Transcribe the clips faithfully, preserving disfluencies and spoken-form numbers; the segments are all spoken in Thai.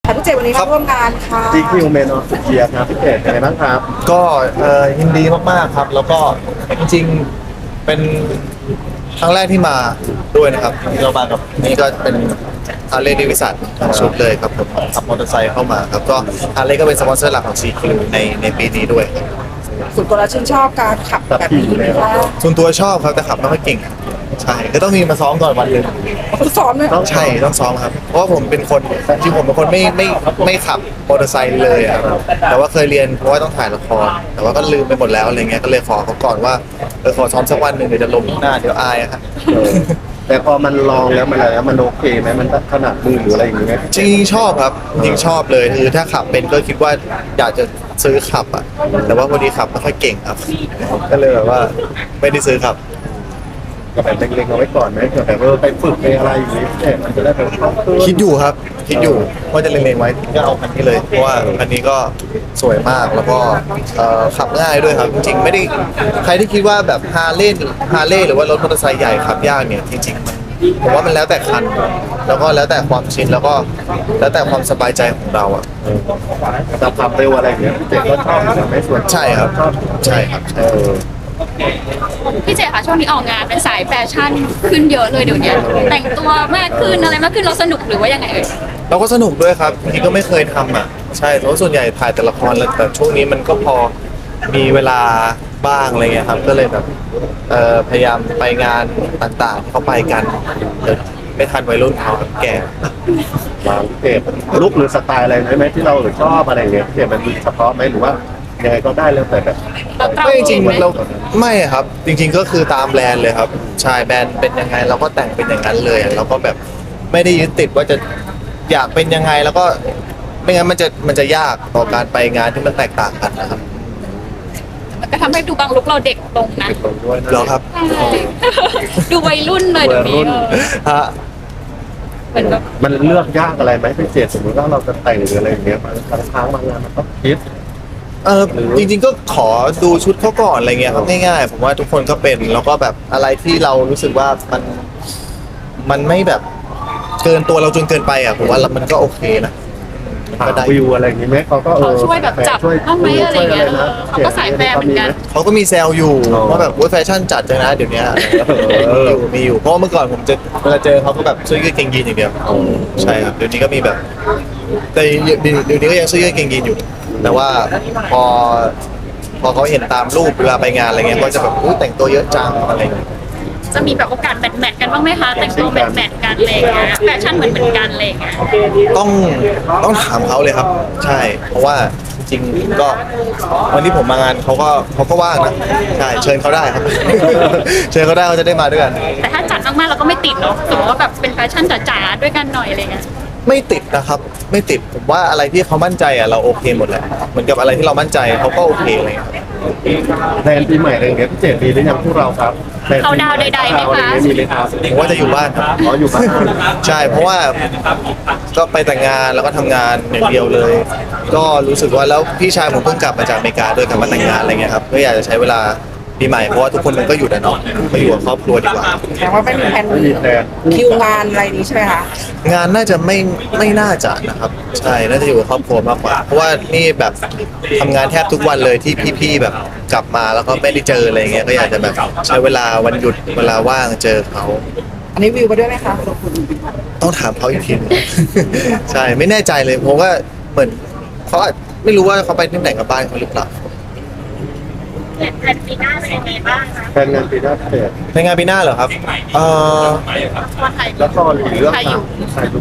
ค่ะพี่เจวันนี้มาร่วมงานค่ะจี คิว เมนออฟเชียร์ครับพี่เจเป็นไงบ้างครับก็เอ่อยินดีมากๆครับ แล้วก็จริงๆเป็นครั้งแรกที่มาด้วยนะครับที่เรามากับนี่ก็เป็นฮาร์เลย์เดวิสันทั้งชุดเลยครับผมขับมอเตอร์ไซค์เข้ามาครับก็ฮาร์เลย์ก็เป็นสปอนเซอร์หลักของ ซี คิว ในในปีนี้ด้วยส่วนตัวเราชื่นชอบการขับแบบนี้ไหมคะส่วนตัวชอบครับแต่ขับไม่ค่อยเก่งอะใช่ก็ต้องมีมาซ้อมก่อนวันหนึ่งคือซ้อมเนี่ยใช่ต้องซ้อมครับเพราะว่าผมเป็นคนจริงๆผมเป็นคนไม่ไม่ไม่ขับมอเตอร์ไซค์เลยอะแต่ว่าเคยเรียนเพราะว่าต้องถ่ายละครแต่ว่าก็ลืมไปหมดแล้วอะไรเงี้ยก็เลยขอเขาก่อนว่าเออขอซ้อมสักวันหนึ่งเดี๋ยวจะล้มหน้าเดี๋ยวอายอะครับเออแต่พอมันลองแล้วมันอะไรแล้วมันโอเคไหมมันขนาดมือหรืออะไรอย่างเงี้ยจริงๆชอบครับจริงๆชอบเลยคือถ้าขับเป็นก็คิดว่าอยากจะซื้อขับอ่ะแต่ว่าพอดีขับไม่ค่อยเก่งครับ ก็เลยแบบว่าไม่ได้ซื้อขับก็แบบเล็งๆเอาไว้ก่อนไหมเผื่อแบบเออไปฝึกไปอะไรอย่างงี้เออมันจะได้แบบคล่องขึ้นคิดอยู่ครับคิดอยู่ว่าจะเล็งๆไว้ก็เอาคันนี้เลยเพราะว่าคันนี้ก็สวยมากแล้วก็เอ่อขับง่ายด้วยครับจริงๆไม่ได้ใครที่คิดว่าแบบฮาร์เลย์ฮาร์เลย์หรือว่ารถมอเตอร์ไซค์ใหญ่ขับยากเนี่ยจริงๆมันผมว่ามันแล้วแต่คัน แล้วก็แล้วแต่ความชินแล้วก็แล้วแต่ความสบายใจของเราอ่ะแต่ความเร็วอะไรอย่างเงี้ยพี่เจก็ชอบอยู่แล้วไม่ส่วนใช่ครับชอบใช่ครับใช่เออพี่เจค่ะช่วงนี้ออกงานเป็นสายแฟชั่นขึ้นเยอะเลยเดี๋ยวนี้แต่งตัวมากขึ้นอะไรมากขึ้นเราสนุกหรือว่ายังไงเอ่ยเราก็สนุกด้วยครับจริงๆก็ไม่เคยทำอ่ะใช่เพราะส่วนใหญ่ถ่ายแต่ละครแล้วแต่ช่วงนี้มันก็พอมีเวลาบ้างอะไรเงี้ยครับก็เลยแบบเอ่อพยายามไปงานต่างๆที่เขาไปกันเดี๋ยวไม่ทันวัยรุ่นเขาแก่วางเก็บลุกหรือสไตล์อะไรไหมที่เราชอบอะไรอย่างเงี้ยพี่เจมันมีเฉพาะไหมหรือว่ายังไงก็ได้แล้วแต่แบบเราตามไม่จริงไหมๆเราไม่ครับ จริง ๆ ก็คือตามแบรนด์เลยครับใช่แบรนด์เป็นยังไงเราก็แต่งเป็นอย่างนั้นเลยเราก็แบบไม่ได้ยึดติดว่าจะอยากเป็นยังไงแล้วก็ไม่งั้นมันจะมันจะยากต่อการไปงานที่มันแตกต่างกันนะครับมันก็ทำให้ดูบางลุกเราเด็กลงนะติดลงด้วยนะเหรอครับใช่ดูวัยรุ่นเลยเดี๋ยวนี้เออฮะเหมือนแบบมันเลือกยากอะไรไหมพี่เจสมมติว่าเราจะแต่งหรืออะไรอย่างเงี้ยบางครั้งบางงานมันต้องคิดเออจริงๆก็ขอดูชุดเขาก่อนอะไรเงี้ยครับง่ายๆผมว่าทุกคนก็เป็นแล้วก็แบบอะไรที่เรารู้สึกว่ามันมันไม่แบบเกินตัวเราจนเกินไปอ่ะผมว่ามันก็โอเคนะมันหาก็ได้วิวอะไรอย่างงี้ไหมเขาก็เอเขาอช่วยแบบจับช่วยบ้างไหมอะไรอย่างเงี้ยช่วนะเขาก็สายแฟร์เหมือนกันเขาก็มีแซวอยู่อ๋อว่าแบบว่าแฟชั่นจัดจังนะเดี๋ยวนี้มีอยู่มีอยู่เพราะว่าเมื่อก่อนผมจะเวลาเจอเขาก็แบบเสื้อยืดกางเกงยีนอย่างเดียวใช่ครับเดี๋ยวนี้ก็มีแบบแต่เดี๋ยวเดี๋ยวนี้ก็ยังเสื้อยืดกางเกงยีนอยู่ แต่ว่าพอพอเขาเห็นตามรูปเวลาไปงานอะไรเงี้ยก็จะแบบอุ้ยแต่งตัวเยอะจังอะไรอย่างเงี้ยจะมีแบบโอกาสแมทแมทกันบ้างไหมคะแต่งตัวแมทแมทกันอะไรอย่างเงี้ยแฟชั่นเหมือนเหมือนกันอะไรอย่างเงี้ยต้องต้องถามเขาเลยครับ ใช่ เพราะว่าจริงๆก็วันที่ผมมางานเขาก็เขาก็ว่างนะใช่เชิญเขาได้ครับ เชิญเขาได้เขาจะได้มาด้วยกันแต่ถ้าจัดมากๆเราก็ไม่ติดเนาะสมมติว่าแบบเป็นแฟชั่นจ๋าๆด้วยกันหน่อยอะไรเงี้ยไม่ติดนะครับ ไม่ติดผมว่าอะไรที่เขามั่นใจอ่ะเราโอเคหมดแหละเหมือนกับอะไรที่เรามั่นใจเขาก็โอเคอะไรเลยแทนปีใหม่อะไรอย่างเงี้ยพี่เจมีหรือยังพวกเราครับแพลนเขาดาวน์ใดๆไหมคะมีเลยครับผมว่าจะอยู่บ้านครับอ๋ออยู่บ้านใช่เพราะว่าก็ไปแต่งงานแล้วก็ทำงานอย่างเดียวเลย ก็รู้สึกว่าแล้วพี่ชายผมเพิ่งกลับมาจากอเมริกาด้วยกลับมาแต่งงานอะไรเงี้ยครับก็อยากจะใช้เวลาปีใหม่เพราะว่าทุกคนมันก็อยู่แต่เนาะไปอยู่กับครอบครัวดีกว่าแสดงว่าไม่มีแผนไม่มีแพลนคิวงานอะไรนี้ใช่ไหมคะงานน่าจะไม่ไม่น่าจะนะครับใช่น่าจะอยู่กับครอบครัวมากกว่า เพราะว่านี่แบบทำงานแทบทุกวันเลยที่พี่ๆแบบกลับมาแล้วก็ไม่ได้เจออะไรเงี้ยก็อยากจะแบบใช้เวลาวันหยุดเวลาว่างเจอเขาอันนี้วิวมาด้วยไหมคะต้องถามเขาอีกทีหนึง ใช่ไม่แน่ใจเลยเพราะว่าเหมือนเขาอาจไม่รู้ว่าเขาไปที่ไหนกับบ้านเขาหรือเปล่าแผนปีหน้าเป็นยังไงบ้างคะแพลนงานปีหน้าพี่เจในงานปีหน้าเหรอครับเอ่อวันไทยแล้วก็หรือเรื่องใครอยู่ใครดู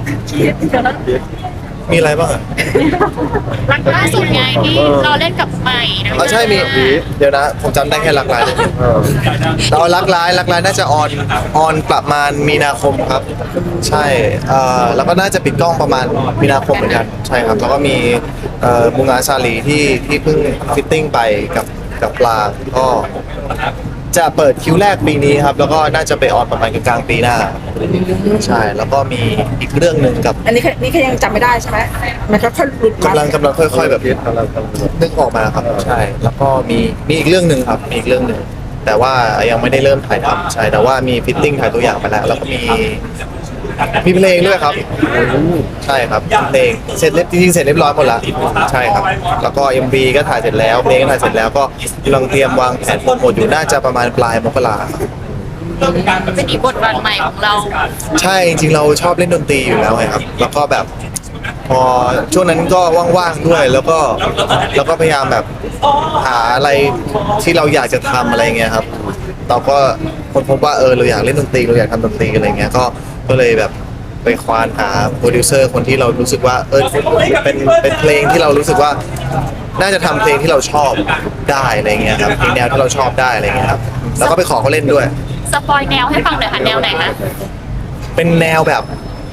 มีอะไรบ้างอ่ะรักล่าสุดไงที่เราเล่นกับใหม่นะอ๋อใช่มีเดี๋ยวนะผมจำได้แค่รักร้ายเออเรารักร้ายรักร้ายน่าจะออนออนประมาณมีนาคมครับ ใช่เอ่อแล้วก็น่าจะปิดกล้องประมาณมีนาคมเหมือนกันใช่ครับแล้วก็มีเอ่อมุงอาซาลีที่ที่เพิ่งฟิตติ้งไปกับกับปลางก็จะเปิดคิวแรกปีนี้ครับ แล้วก็น่าจะไปออนประมาณกลางๆปีหน้า ใช่แล้วก็มีอีกเรื่องหนึ่งกับอันนี้แค่นี่แค่ยังจำไม่ได้ใช่ไหมมันก็ค่อยหลุดมากำลังกำลังค่อย ๆ แบบคิดกำลังกำลังนึกออกมาครับใช่แล้วก็มีมีอีกเรื่องหนึ่งครับมีอีกเรื่องหนึ่งแต่ว่ายังไม่ได้เริ่มถ่ายทำใช่แต่ว่ามีฟิตติ้งถ่ายตัวอย่างไปแล้ว แล้วก็มีมีเพลงด้วยครับใช่ครับเพลงเสร็จเรียบจริงๆเสร็จเรียบร้อยหมดแล้วใช่ครับแล้วก็ เอ็ม วี ก็ถ่ายเสร็จแล้วเพลงก็ถ่ายเสร็จแล้วก็กำลังเตรียมวางแผนโปรโมทอยู่น่าจะประมาณปลายมกราครับเป็นอีกบทบาทใหม่ของเราใช่จริงๆเราชอบเล่นดนตรีอยู่แล้วไงครับแล้วก็แบบพอช่วงนั้นก็ว่างๆด้วยแล้วก็แล้วก็พยายามแบบหาอะไรที่เราอยากจะทำอะไรเงี้ยครับเราก็คนพบว่าเออเราอยากเล่นดนตรีเราอยากทำดนตรีอะไรเงี้ยก็ก็เลยแบบไปควานหาโปรดิวเซอร์คนที่เรารู้สึกว่าเออเป็นเป็นเพลงที่เรารู้สึกว่าน่าจะทำเพลงที่เราชอบได้อะไรเงี้ยครับเพลงแนวที่เราชอบได้อะไรเงี้ยครับแล้วก็ไปขอเขาเล่นด้วยสปอยแนวให้ฟังหน่อยค่ะแนวไหนคะเป็นแนวแบบ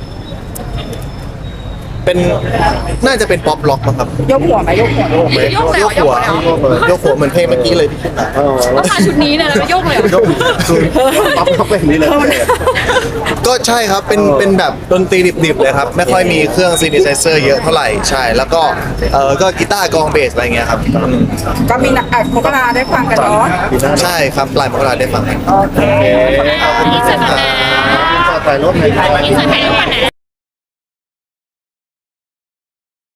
เป็นน่าจะเป็นป๊อปล็อกมั้งครับยกหัวไหมยกหัวโยกไหมยกแล้วยกหัวยกแล้วยกหัวเหมือนเพลงเมื่อกี้เลยที่ขึ้นมาเออว่ามาชุดนี้เนี่ยแล้วยกเลยเหรอคือป๊อปเขาเป็นอย่างนี้เลยเจมส์ก็ใช่ครับเป็นเป็นแบบดนตรีดิบๆเลยครับไม่ค่อยมีเครื่องซีนิไซเซอร์เยอะเท่าไหร่ใช่แล้วก็เออก็กีตาร์กลองเบสอะไรเงี้ยครับอืมก็มีนักอัดมกราได้ฟังกันเนาะปีหน้าใช่ครับปลายมกราได้ฟังกันโอเคโอเคขอบคุณอินเสิร์ตคนะรับถ่ายรูปหน่อยครับอินเสิร์ตให้ดูก่อนนะ